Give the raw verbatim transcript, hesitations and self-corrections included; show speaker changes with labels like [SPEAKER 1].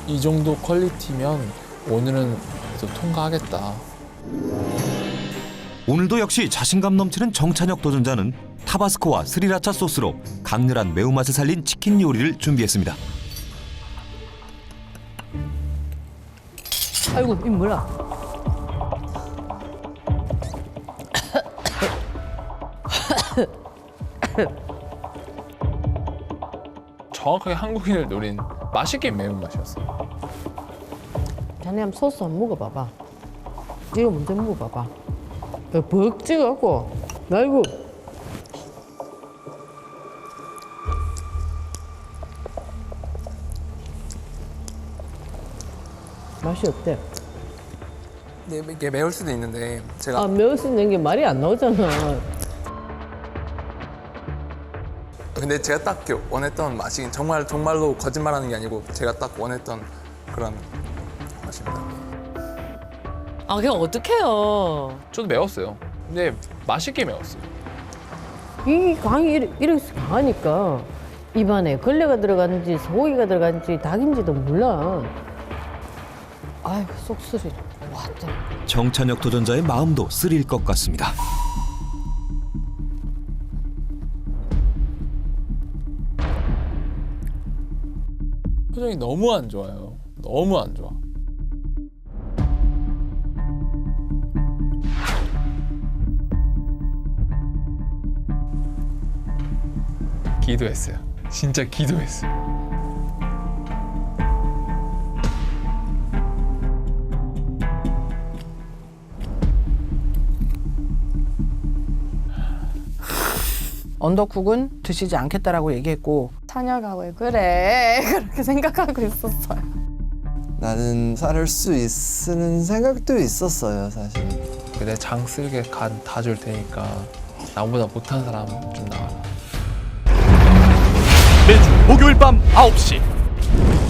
[SPEAKER 1] 이 정도 퀄리티면 오늘은 또 통과하겠다.
[SPEAKER 2] 오늘도 역시 자신감 넘치는 정찬혁 도전자는 타바스코와 스리라차 소스로 강렬한 매운맛을 살린 치킨 요리를 준비했습니다.
[SPEAKER 3] 아이고, 이 뭐야?
[SPEAKER 1] 정확하게 한국인을 노린 맛있게 매운맛이었어요.
[SPEAKER 3] 자네 한번 소스 한번 먹어봐봐. 이거 먼저 먹어봐봐. 벅 찍어갖고, 아이고. 맛이 어때?
[SPEAKER 4] 네, 이게 매울 수도 있는데 제가
[SPEAKER 3] 아, 매울 수 있는 게 말이 안 나오잖아.
[SPEAKER 4] 근데 제가 딱 이렇게 원했던 맛이 정말 정말로 거짓말하는 게 아니고 제가 딱 원했던 그런 맛입니다.
[SPEAKER 5] 아, 그냥 어떡해요.
[SPEAKER 1] 저도 매웠어요. 근데 맛있게 매웠어요.
[SPEAKER 3] 이 강이 이렇게, 이렇게 강하니까 입안에 걸레가 들어갔는지 소고기가 들어갔는지 닭인지도 몰라. 아이고, 쏙쓰리. 왔다.
[SPEAKER 2] 정찬혁 도전자의 마음도 쓰릴 것 같습니다.
[SPEAKER 1] 표정이 너무 안 좋아요. 너무 안 좋아. 기도했어요. 진짜 기도했어요.
[SPEAKER 6] 언더쿡은 드시지 않겠다라고 얘기했고
[SPEAKER 7] 찬혁아 왜 그래 그렇게 생각하고 있었어요.
[SPEAKER 8] 나는 살을 수 있는 생각도 있었어요, 사실.
[SPEAKER 1] 내 장 쓸게 간 다 줄 테니까 나보다 못한 사람 좀 나와라.
[SPEAKER 9] 매주 목요일 밤 아홉 시